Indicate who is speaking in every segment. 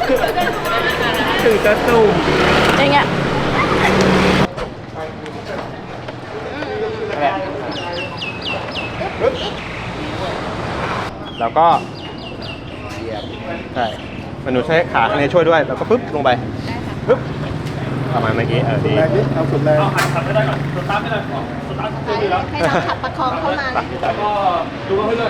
Speaker 1: ถึงจะสุ่ม
Speaker 2: อย่างเงี้ย
Speaker 1: แล้วก็ใช่มนุษย์ใช้ขาในช่วยด้วยแล้วก็ปึ๊บลงไปปึ๊บประมาณเมื่อกี้ดี
Speaker 3: แรงนิดเอาสุดแรง
Speaker 1: ขับไม่ได้ก่อนสตาร์ทไม่ได้ก่อนสตาร์ทให้เรา
Speaker 2: ขับประคองเข้ามา
Speaker 1: แล้วก็ดูให้เลย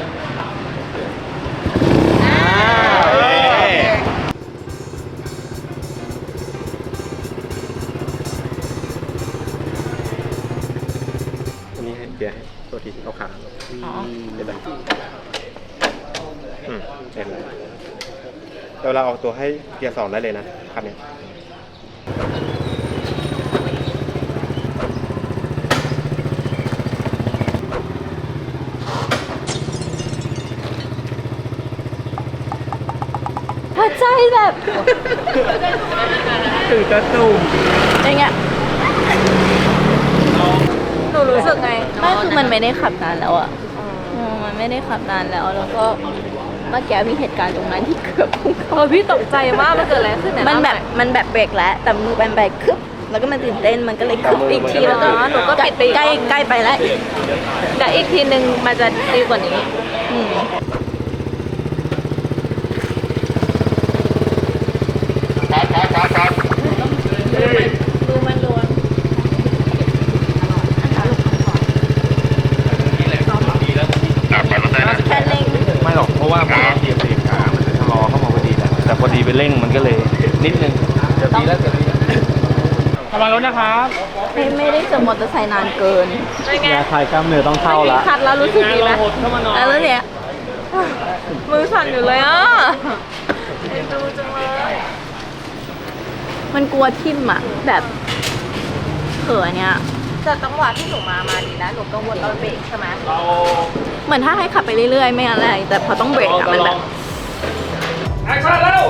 Speaker 1: อันนี้ให้เกียร์ให้ตัวทีเอาขาเดี๋ยวเห็นเลยเดี๋ยวเราเอาตัวให้เกียร์2ได้เลยนะคันนี้
Speaker 2: หัวใจแบบ
Speaker 1: ถึงจะสุ่ม
Speaker 2: อย่างเงี้ยหนูรู้สึกไงไม่คือมันไม่ได้ขับนานแล้วอ่ะมันไม่ได้ขับนานแล้วแล้วก็เมื่อกี้มีเหตุการณ์ตรงนั้นที่เกือบพุ่งเข้า
Speaker 4: พี่ตกใจมากมันเกิดอะไรขึ้นเนี่ย
Speaker 2: มันแบบเบรกแล้วแต่มือแบนไปคึบแล้วก็มันตื่นเต้นมันก็เลยคึบอีกทีแล้วก็
Speaker 4: หนูก็ปิด
Speaker 2: ใกล้ไปแล้ว
Speaker 4: แต่อีกทีนึงมันจะดีกว่านี้ดูมันล้วน
Speaker 2: แค่เร่ง
Speaker 1: ไม่หรอกเพราะว่าพอเหยียบเบรกขามันจะชะลอเข้ามาพอดีแหละแต่พอดีไปเร่งมันก็เลยนิดนึงจะดีแล้วทำไมรถนะครับ
Speaker 2: ไม่ได้เจอมอเตอร์ไซค์นานเกิน
Speaker 1: ยาคลายกล้ามเนื้อต้องเข้าละ
Speaker 4: คัดแล้วรู้สึกดีไหม
Speaker 2: แล้วเนี่ย
Speaker 4: มือสั่นอยู่เลยอ่ะดูจังเลย
Speaker 2: มันกลัวทิ่มอ่ะแบบเขินเนี่ย
Speaker 4: แต่จังหวะที่หนูมาดีนะหนูกังวลตอนเบรกใช่ไหม
Speaker 2: เหมือนถ้าให้ขับไปเรื่อยๆไม่อะไรแต่พอต้องเบรกอะมันแบบ
Speaker 1: แอคชั่นแล้ว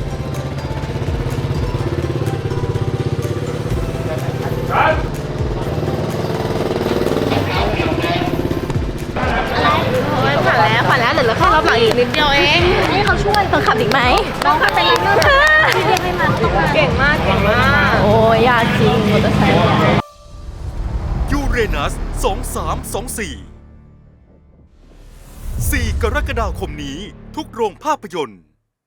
Speaker 2: ผ่านแล้วเหลือแค่รอบหลังอีกนิดเดียวเองให้เขาช่วยเขาขับอีกไหมต้องขับเป็นลันเนอร์ให้มัน
Speaker 4: เก่งมาก
Speaker 2: โอ้ยากจริงมอเตอร์ไซค์
Speaker 5: ยูเรนัส 2324 4 กรกฎาคมนี้ทุกโรงภาพยนตร์